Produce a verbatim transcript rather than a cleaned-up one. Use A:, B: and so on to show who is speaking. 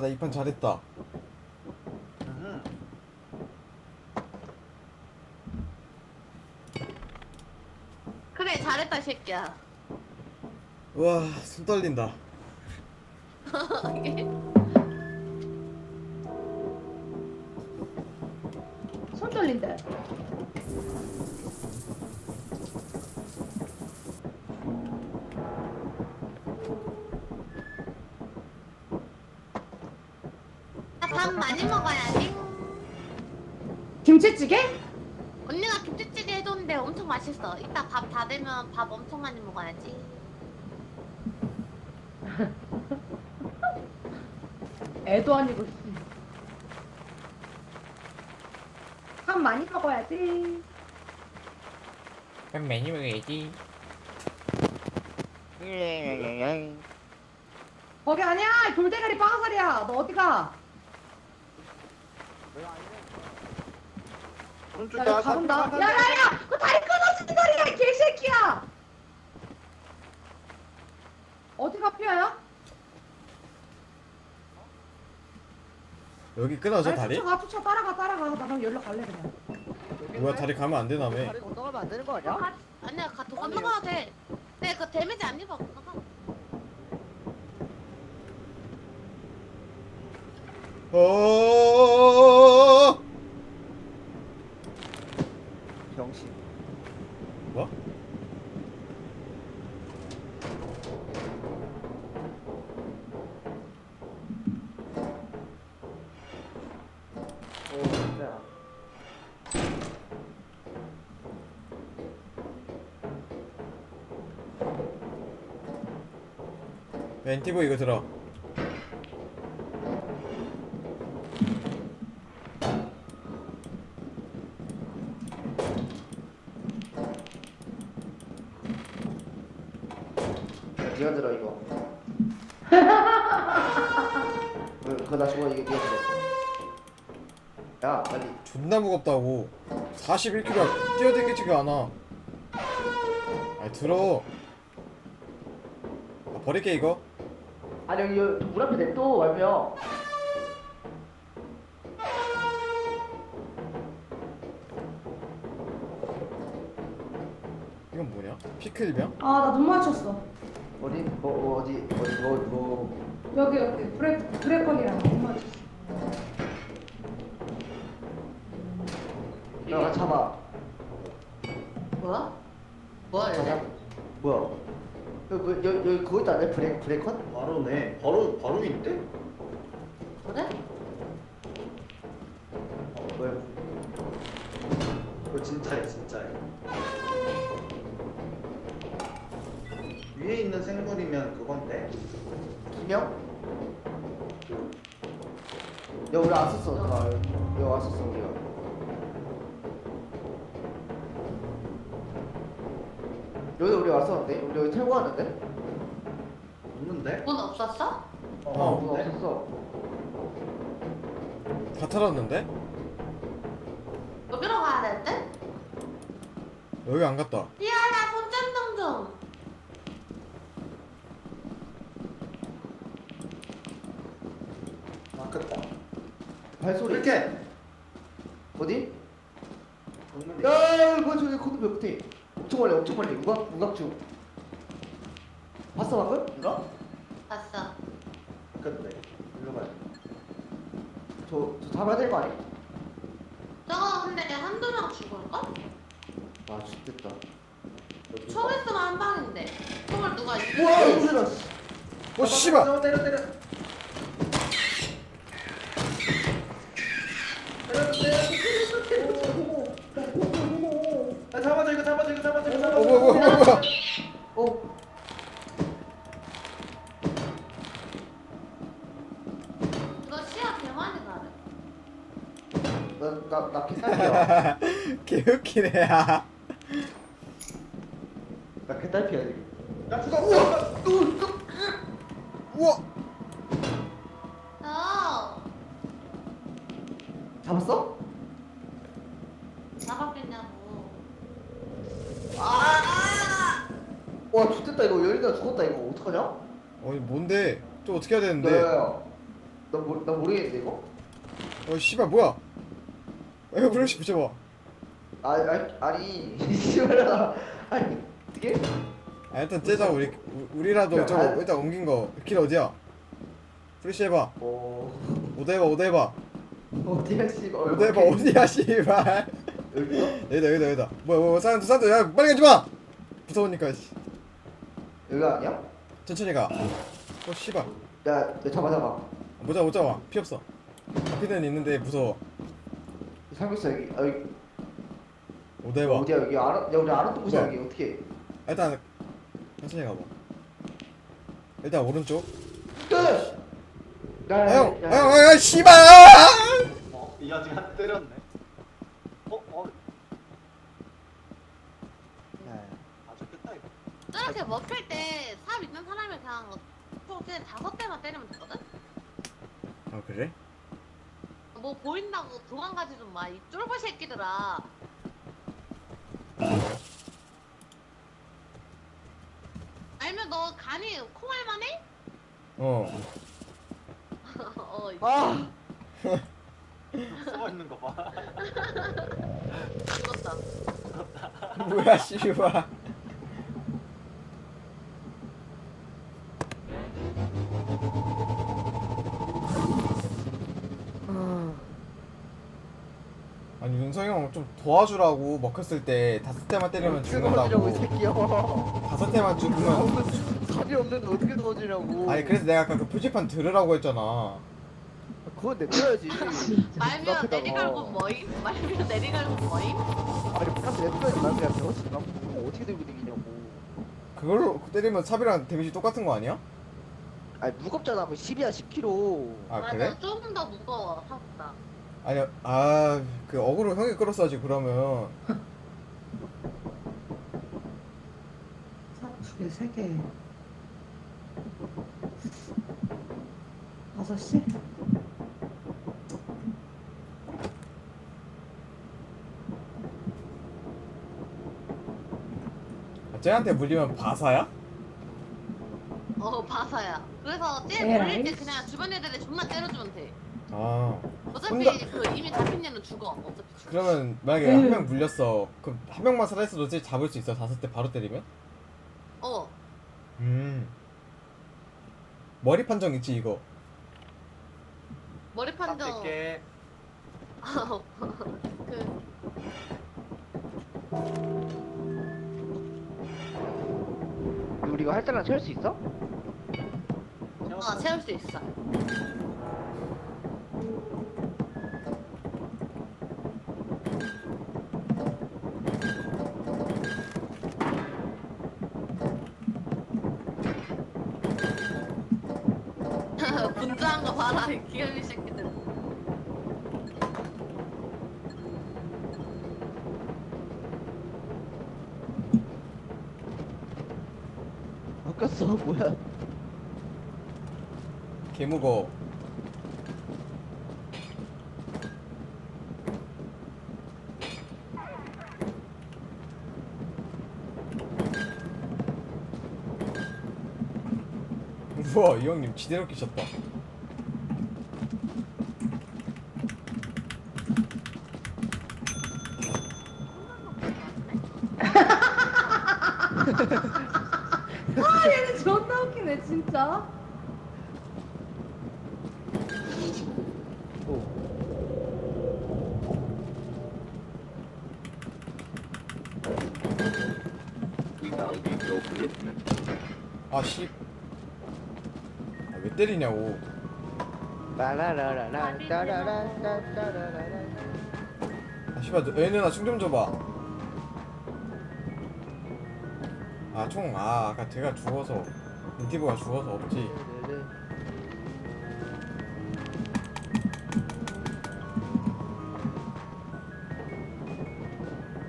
A: 나 이 판 잘했다.
B: 음.
C: 그래 잘했다 이 새끼야.
A: 우와, 손 떨린다.
D: 손 떨린대.
C: 아, 밥 많이 먹어야지.
D: 김치찌개?
C: 언니가 김치찌개 해줬는데 엄청 맛있어. 이따 밥 다 되면 밥 엄청 많이 먹어야지.
D: 애도 아니고. 밥 많이 먹어야지.
A: 밥 많이 먹어야지.
D: 거기 아니야. 돌대가리 빠가살이야. 너 어디 가?
B: 오른쪽
D: 야, 여기 가본다. 야야야! 그 다리 끊어진 다리야, 이 개새끼야! 어디가 삐아야?
A: 여기 끊어져 다리?
D: 쫓아가, 쫓아 따라가, 따라가. 나 그럼 여기로 갈래 그냥.
A: 뭐야, 다리 가면 안 되나며?
E: 다리 건너가면 안 되는 거 아니야?
C: 가, 아니야 가 더 건너가도 돼. 근데 그 데미지 안 입어. 건너가.
A: 어.
E: 병신.
A: 뭐?
E: 오 진짜.
A: 엔티보 이거 들어.
E: 네가 들어 이거. 왜, 그거 나 주워 이게 네가 들어. 야 빨리.
A: 존나 무겁다고. 사십일 킬로그램 뛰어댕기지가 않아. 아니 들어. 아, 버릴게 이거.
E: 아니 여기 물 앞에 냅둬 말며.
A: 이건 뭐냐? 피클병?
D: 아, 나 눈 맞췄어.
E: 어디 뭐 어디 어디 뭐 뭐.
D: 여기, 여기. 브레, 브레컨이랑 눈 맞췄어.
E: 야 잡아.
C: 뭐야? 뭐야
E: 잡아.
C: 얘네?
E: 뭐야? 여기 뭐, 여기 여기 그거 있다네 브레 브레컨?
B: 바로네. 바로 바로 있대?
C: 그래?
E: 어 뭐야?
B: 그거 진짜야 진짜야. 위에 있는 생물이면 그건데.
E: 김영? 야 우리 왔었어. 아, 여기 왔었어 우리가. 여기 우리 왔었는데? 우리 여기 태고 왔는데?
B: 없는데?
C: 문 없었어?
B: 어,
A: 어.
E: 뭐
B: 없는데?
E: 없었어.
A: 다 털었는데?
C: 여기로 가야 될 듯?
A: 여기 안 갔다.
C: 삐아야 손전등 좀.
B: 아깝다.
E: 발소리.
B: 이렇게.
E: 어디?
B: 정면에.
E: 야, 이거 저기 코드 몇 끝에. 엄청 멀리, 엄청 멀리. 우각, 우각중. 봤어 방금? 이거?
C: 봤어.
B: 아깝네. 일로 가야 돼.
E: 저, 저 잡아야 될 거 아니?
C: 저거 근데 한두 명 죽을걸?
E: 아, 죽겠다.
C: 총 있으면 한 방인데. 총을 누가
E: 우와, 이거 씨.
A: 어 씨발.
B: 때려 때려 때려. 때려 때려. 아, 잡아줘 이거 잡아줘 이거 잡아줘 이거 잡아줘.
A: 어 뭐야 뭐야 뭐야 뭐야.
E: 어,
C: 이거 시야 개 많이 가네.
E: 나, 나, 나 개딸피야.
A: 개웃기네 야.
E: 나 개딸피야 지금.
B: 야 죽어. 우와.
A: 우와.
C: 어.
E: 잡았어?
C: 잡았겠냐고.
E: 아! 와, 죽겠다 이거. 열리다 죽었다 이거. 어떡하냐?
A: 아니 뭔데? 또 어떻게 해야
E: 야,
A: 되는데?
E: 야, 야. 나, 모, 나 모르겠는데 이거?
A: 어 씨발 뭐야? 이거 브러쉬 붙여봐.
E: 아, 아 아니 씨발아 아니 어떻게?
A: 아 일단 째자 우리 우- 우리라도
E: 야,
A: 저거
E: 아.
A: 일단 옮긴 거 길 어디야? 프리시 해봐.
E: 어
A: 오더 해봐 오더 해봐.
E: 어디야 씨발 어,
A: 오더 해봐
E: 오케이.
A: 어디야 씨발.
E: 여기서?
A: 여기다 여기다 여기다. 뭐야 뭐야 사람들 사람들 야 빨리 가지 마. 무서우니까 씨.
E: 여기 아니야?
A: 천천히 가. 어 씨발.
E: 야, 야 잡아 잡아.
A: 못 잡아 못 잡아. 피 없어. 피는 있는데 무서워.
E: 살고 있어 여기. 아, 여기.
A: 오더 해봐.
E: 어디야 여기 알아? 야 우리 알았던 곳이야
A: 뭐야?
E: 여기 어떻게?
A: 일단 천천히 가봐. 일단 오른쪽.
E: 끝. 야,
A: 아,
E: 야,
A: 형,
E: 야,
A: 아, 형, 아, 형, 씨발!
B: 어? 이 아직 한 때렸네. 어? 어?
E: 야, 야.
B: 아주 끝다 이거.
C: 저렇게 먹힐 때 삽 있는 사람이 그냥 총 그냥 다섯 대만 때리면 되거든?
A: 아 그래?
C: 뭐 보인다고 도망가지 좀 마. 이 쫄보 새끼들아. 알면 너 간이 콩알만 해?
A: 어.
C: 어, 이-
E: 아,
B: 숨어 있는 거 봐.
C: 죽었다.
A: 뭐야 씨발. 아니 윤성이 형 좀 도와주라고 먹혔을 때 다섯 대만 때리면
E: 도와주냐고 이
A: 죽는다고.
E: 새끼야.
A: 다섯 대만 죽으면.
E: 답이 없는데 어떻게 도와주냐고.
A: 아니 그래서 내가 아까 그 표지판 들으라고 했잖아.
E: 그건 냅둬야지.
C: 말면
E: 눈앞에다가.
C: 내리갈고 뭐임? 말면 내리갈고 뭐임?
E: 아니 바깥에 냅둬야지 말 그냥 배웠지. 나 어떻게 들고 다니냐고.
A: 그걸로 때리면 삽이랑 데미지 똑같은 거 아니야?
E: 아니 무겁잖아. 그 십이야 십 킬로그램.
A: 아
C: 맞아,
A: 그래?
C: 조금 더 무거워 생각보다.
A: 아니 아그 어그로 형이 끌었어야지 그러면.
D: 두 개, 세 개. 다섯 시?
A: 아, 쟤한테 물리면 바사야?
C: 어 바사야. 그래서 쟤
D: 에라이.
C: 몰릴 때 그냥 주변 애들에 존나 때려주면 돼.
A: 아
C: 어차피
A: 혼자-
C: 그 이미 잡힌 얘는 죽어. 어차피 죽어.
A: 그러면 만약에
D: 음.
A: 한 명 물렸어. 그럼 한 명만 살아있어도 쟤 잡을 수 있어? 다섯 대 바로 때리면?
C: 어.
A: 음 머리 판정 있지 이거.
C: 머리 판정.
B: 게
C: 그
E: 우리 이거 할 때랑 채울 수 있어?
C: 어, 채울 수 있어. 분주한 거 봐라, 이 귀여운 새끼들.
E: 바뀌었어 뭐야?
A: 개무거. 우와 이 형님 지대로 끼셨다.
D: 아, 얘는 존나 웃기네, 진짜.
E: 오.
A: 아씨. 아, 왜 때리냐고.
E: 라라라라라 따라라라라라라.
A: 아 씨발 너- 얘는 나총 좀 줘봐. 아 총 아 아까 제가 죽어서 인티브가 죽어서 없지.